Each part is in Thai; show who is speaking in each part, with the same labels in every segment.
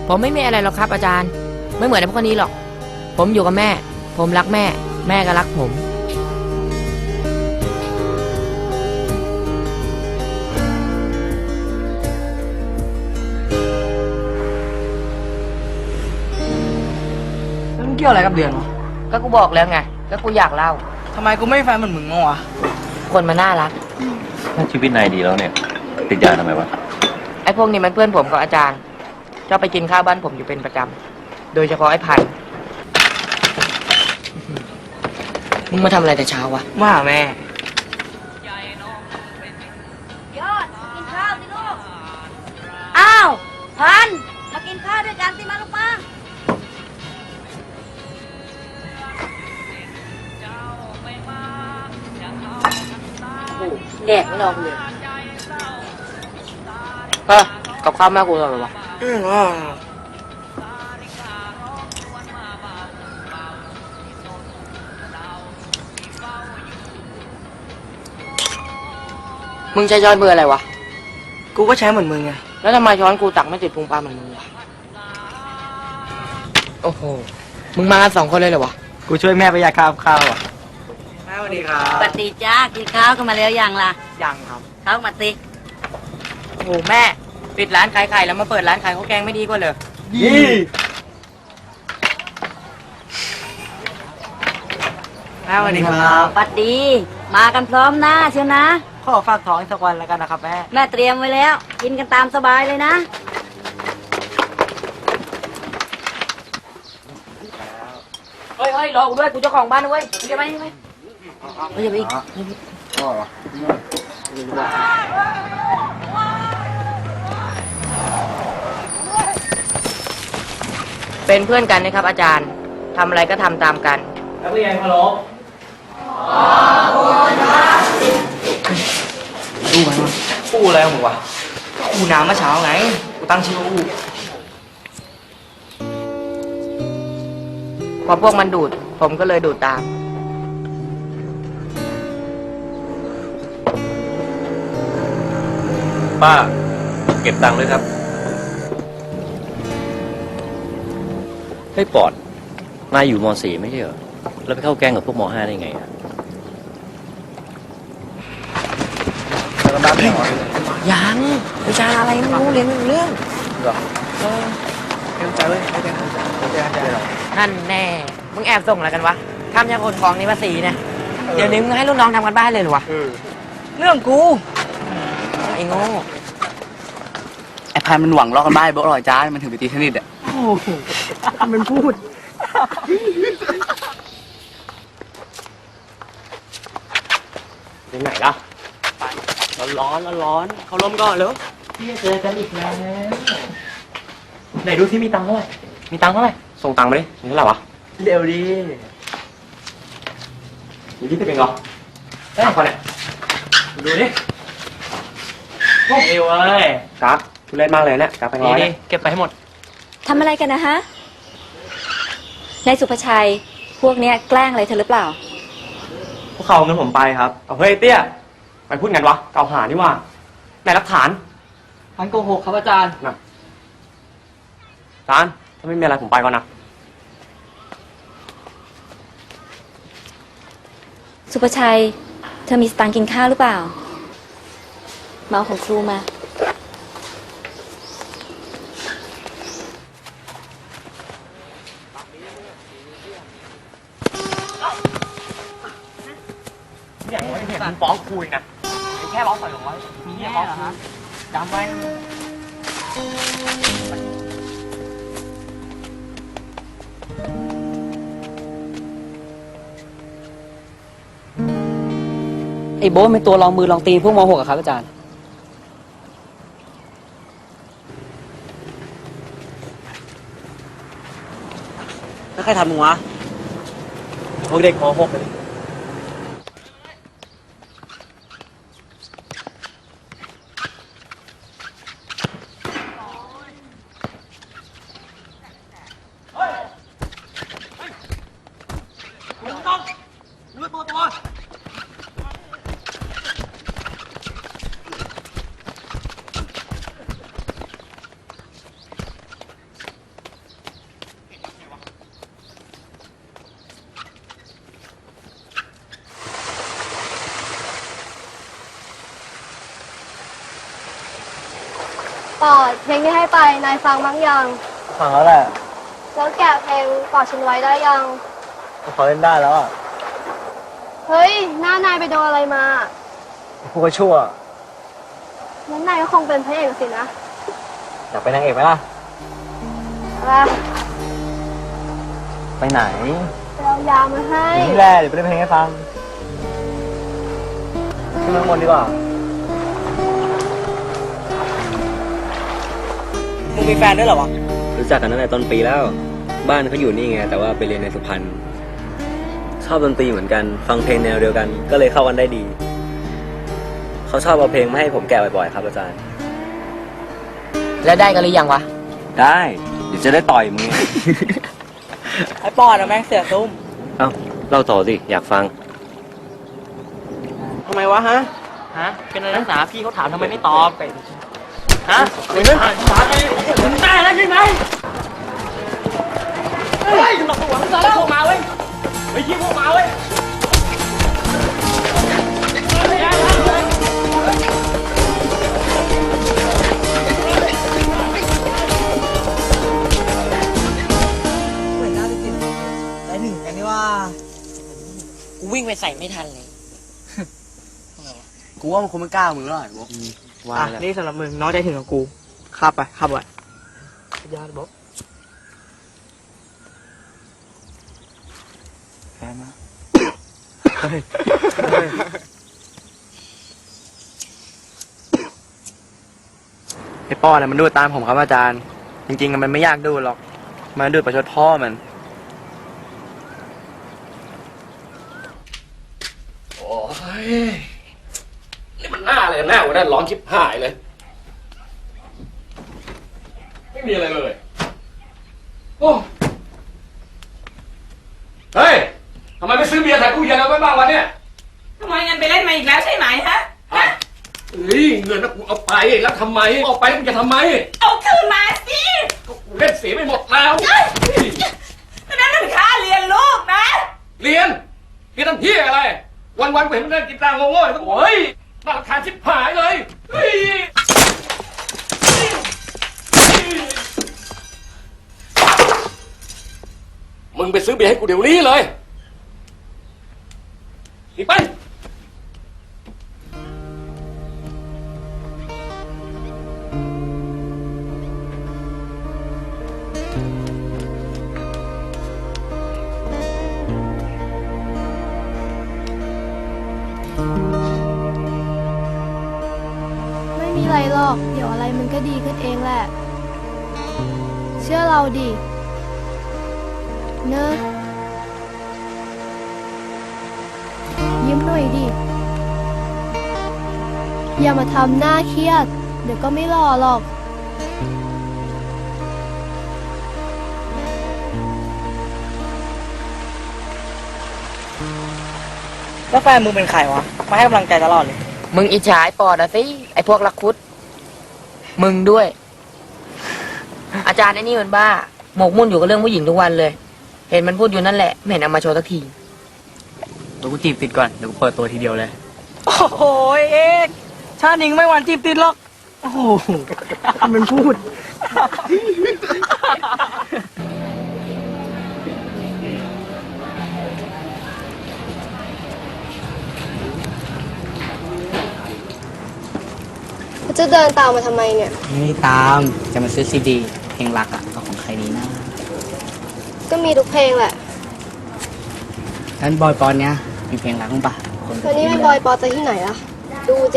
Speaker 1: ผมไม่มีอะไรหรอกครับอาจารย์ไม่เหมือนไอ้พวกนี้หรอกผมอยู่กับแม่ผมรักแม่แม่ก็รักผม
Speaker 2: แล้วมันเกี่ยวอะไรกับเดือนวะ
Speaker 1: ก็กูบอกแล้วไงก็กูอยากเล่า
Speaker 2: ทำไมกูไม่มีแฟนเหมือนมึงวะ
Speaker 1: คนมันน่ารัก
Speaker 3: ถ้าชีวิตนายดีแล้วเนี่ยติดยาทำไมวะ
Speaker 1: ไอ้พวกนี้มันเพื่อนผมกับอาจารย์ชอบไปกินข้าวบ้านผมอยู่เป็นประจำโดยเฉพาะไอ้พันมึงมาทำอะไรแต่เช้าวะ
Speaker 2: มาหาแม่
Speaker 4: ยอดกินข้าวสิลูกอ้าวพันมากินข้าวด้วยกันสิมาลูกมาแดกไม่ลองเลย
Speaker 1: กับข้าวแม่กูอร่อยวะมึงใช้ช้อนเบอร์อะไรวะ
Speaker 2: กูก็ใช้เหมือนมึงไง
Speaker 1: แล้วทำไมช้อนกูตักไม่ติดพุงปลาเหมือนมึงวะโอ้โหมึงมากัน2 คนเลยเหรอวะ
Speaker 2: กูช่วยแม่ประหยัดข้าวอ่ะแม่สวัสดีครับ
Speaker 4: ปฏิจ้ากินข้าวกันมาแล้วยังล่ะ
Speaker 2: ยังครับ
Speaker 4: เข้ามาสิ
Speaker 1: โอ้โหแม่ปิดร้านขายไข่แล้วมาเปิดร้านขายข้าวแกงไม่ดีกว่าเลย
Speaker 2: ดีแม่สวัสดีครับ
Speaker 4: ปฏิมากันพร้อมหน้าเชียวนะ
Speaker 2: ขอฝากท้องอีกสักวันแล้วกันนะครับ
Speaker 4: แม่เตรียมไว้แล้วกินกันตามสบายเลยนะ
Speaker 1: เฮ้ยรอกูด้วยกูเจ้าของบ้านนะเว้ยมึงจะไปยังไงอย่าไปอีกเป็นเพื่อนกันนะครับอาจารย์ทำอะไรก็ทำตามกัน
Speaker 2: นักเรียนเคารพอู้ไหมวะอู้อะไรของมึงวะอู้น้ำเมื่อเช้าไงกูตั้งชื่อว่าอู้
Speaker 1: พอพวกมันดูดผมก็เลยดูดตาม
Speaker 3: ป้าเก็บตังค์ด้วยครับให้ปอดนายอยู่ม .4 ไม่ใช่เหรอแล้วไปเข้าแก๊งกับพวกม .5 ได้ไงอะ
Speaker 1: ยังวิชาอะไรไม่รู้เรียนไม่รู้เรื่อง
Speaker 2: เต็มใจเลยไม่ได้ทำใจหรอก
Speaker 1: นั่นแน่มึงแอบส่งอะไรกันวะทำจากคนของนี่ภาษีเนี่ยเดี๋ยวนี้มึงให้ลูกน้องทำกันบ้านเลยหรอวะ
Speaker 2: เรื่องกู
Speaker 1: ไอ้โง่
Speaker 2: ไอ้พายมันหวังลอกกันบ้านโบ๊ะหรอจ้ามันถึงไปตีเทนนิสอ่ะโอ้โหมันพูด
Speaker 1: ไปไหนล่ะร้อนเขาล้มก่อนเลยพี่เจอกันอีกแล้วไหนดูที่มีตังค์เท่าไหร่มีตังค์เท่าไหร่ส่งตังค์มาดิมีเท่าไหร่วะ
Speaker 2: เร็วดี
Speaker 1: มีที่เป็นเหรอได้คนเนี่ยดูดิโอ้เอวเอ้ยกราฟทุเล่นมากเลยเนี่ยกราฟไปร้อยนี่เก็บไปให้หมด
Speaker 5: ทำอะไรกันนะฮะนายสุภชัยพวกเนี้ยแกล้งอะไรเธอหรือเปล่า
Speaker 1: พวกเขาเอาเงินผมไปครับเอาเฮ้ยเตี้ยไปพูดกันวะเกล่าวหานี่ว่าไหนหลักฐาน
Speaker 2: มันโกหกครับอาจารย์
Speaker 1: นะอาจารย์ถ้าไม่มีอะไรผมไปก่อนนะ
Speaker 5: สุภชัยเธอมีสตางค์กินข้าวหรือเปล่ามาเอาของครูมา
Speaker 1: อย่างว่าเห็นมันฟ้องคุยนะแค่100-200มีแค่ฟ้องคุยจำไว้
Speaker 2: ไอ้โบ๊ทเป็นตัวลองมือลองตีนพวกม .6 อะครับอาจารย์แล้วใครทำมึงวะพวกเด็กม .6 เลย
Speaker 6: ปอดเพลงที่ให้ไปนายฟังบ้างยัง
Speaker 2: ฟังแล้วแหละ
Speaker 6: แล้วแกะเพลงกอดฉันไว้ได้ยัง
Speaker 2: เขาเล่นได้แล้วอ่ะ
Speaker 6: เฮ้ยหน้านายไปโดนอะไรมา
Speaker 2: พวกชั่ว
Speaker 6: งั้นนายก็คงเป็นพระเอกสินะ
Speaker 2: อยากเป็นนางเอกไหมล่ะ
Speaker 6: อะไร
Speaker 2: ไปไหน
Speaker 6: ไปเอายามาให้
Speaker 2: นี่แหละเดี๋ยวไปเล่นเพลงให้ฟังขึ้นมาข้างบนดีกว่า
Speaker 1: มึงมีแฟนด้วยเหรอวะ
Speaker 7: รู้จักกันตั้งแต่ต้นปีแล้ว บ้านเขาอยู่นี่ไง แต่ว่าไปเรียนในสุพรรณชอบดนตรีเหมือนกัน ฟังเพลงแนวเดียวกัน ก็เลยเข้ากันได้ดี เขาชอบเอาเพลงมาให้ผมแกะบ่อยๆครับอาจารย์
Speaker 2: แล้วได้กันหรือยังวะ
Speaker 7: ได้ เดี๋ยวจะได้ต่อยมึง
Speaker 1: ไอ้ปอดอะแม่งเสียตุ้ม
Speaker 3: เอ้าเล่าต่อสิ อยากฟัง
Speaker 1: ทำไมวะฮะ เป็นอะไรนักศึกษาพี่เขาถามทำไมไม่ตอบฮะมึงได้แล้วใช่ไหมเฮ้ยหลอกหัวมึงแล้วพวกมาเว้ยเฮ้ยยิงพวกมาเว้ย
Speaker 8: กูวิ่งไปใส่ไม่ทันเลย
Speaker 2: กูว่ามันคงไม่กล้ามึงแล้วไอ้พวก
Speaker 1: อ่ะนี่สำหรับมึงน้องใจถึงกับกูขับไปขับไว้ญาติบอก
Speaker 2: แฟนมา ไอ้ป้อนน่ะมันดูดตามผมครับอาจารย์ จริงๆมันไม่ยากดูดหรอก มันดูดประชดพ่อมัน
Speaker 9: โอ้ยนี่มันหน้าเลยหน้าวันนั้นร้อนชิบหายเลย ไม่มีอะไรเลย โอ้เฮ้ยทำไมไม่ซื้อเบียร์ใส่ตู้เย็นเอาไว้บ้างวะเนี่ย
Speaker 8: ทำไมเงินไปเล่นมาอีกแล้วใช่ไหมฮะ
Speaker 9: เฮ้ยเงินนะกูเอาไปแล้วทำไมเอาไปแล้วมึงจะทำไม
Speaker 8: เอาคืนมาสิ
Speaker 9: กูเล่นเสียไม่หมดแล้ว
Speaker 8: นั่นมันค่าเรียนลูกนะ
Speaker 9: เรียนทำเพี้ยอะไร วันๆกูเห็นมึงเล่นกีตาร์โง่ๆแล้วก็เฮ้ยน่ารำคาญชิบหายเลยเฮ้ย มึงไปซื้อเบียร์ให้กูเดี๋ยวนี้เลยหนีไป
Speaker 6: ไม่มีอะไรหรอก เดี๋ยวอะไรมันก็ดีขึ้นเองแหละ เชื่อเราดิ เนอะยิ้มหน่อยดิ อย่ามาทำหน้าเครียด เดี๋ยวก็ไม่หล่อหรอก
Speaker 1: แล้วแฟนมึงเป็นใครวะ มาให้กำลังใจตลอดเลย
Speaker 8: มึงอิจฉาไอ้ปอดอะสิ ไอ้พวกรักคุด มึงด้วย อาจารย์ไอ้นี่มันบ้า หมกมุ่นอยู่กับเรื่องผู้หญิงทุกวันเลย เห็นมันพูดอยู่นั่นแหละ ไม่เห็นเอามาโชว์สักที
Speaker 2: เดี๋ยวกูจีบติดก่อน เดี๋ยวกูเปิดตัวทีเดียวเลย
Speaker 1: โอ้โหเอกชาตินิงไม่หวานจีบติดหรอก โอ้โหมันพูด
Speaker 6: จะเดินตามมาทำไมเนี่ย
Speaker 2: ไม่ตาม จะมาซื้อซีดี เพลงรักอ่ะเอาของใครดีนะ
Speaker 6: ก็มีทุกเพลงแหละ
Speaker 2: ท่านบอยปอนเนี้ยมีเพลงรักมั้งปะคน
Speaker 6: วันนี้ไม่บอยปอจะที่ไหนล่ะ ดูสิ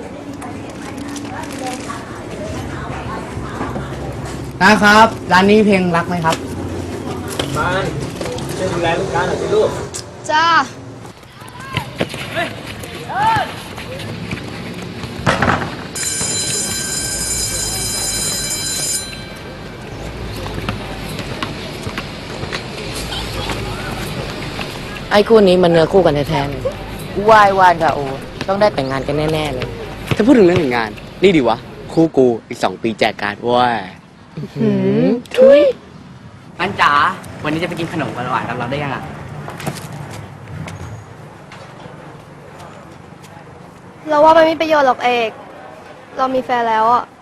Speaker 2: นะครับ ร้านนี้มีเพลงรักไหมครับ
Speaker 6: จ้า
Speaker 8: ไอ้คู่นี้มันเนื้อคู่กันแท้ๆเลยว่ายว่านกับโอต้องได้แต่งงานกันแน่ๆเลย
Speaker 2: ถ้าพูดถึงเรื่องแต่งงาน นี่ดีวะ คู่กูอีก2 ปีแจกการ์ดเว้ย
Speaker 8: ทุย
Speaker 2: อันจ๋า วันนี้จะไปกินขนมหวานๆกับเราได้ยังอ่ะ
Speaker 6: เราว่ามันไม่มีประโยชน์หรอกเอก เรามีแฟนแล้วอ่ะ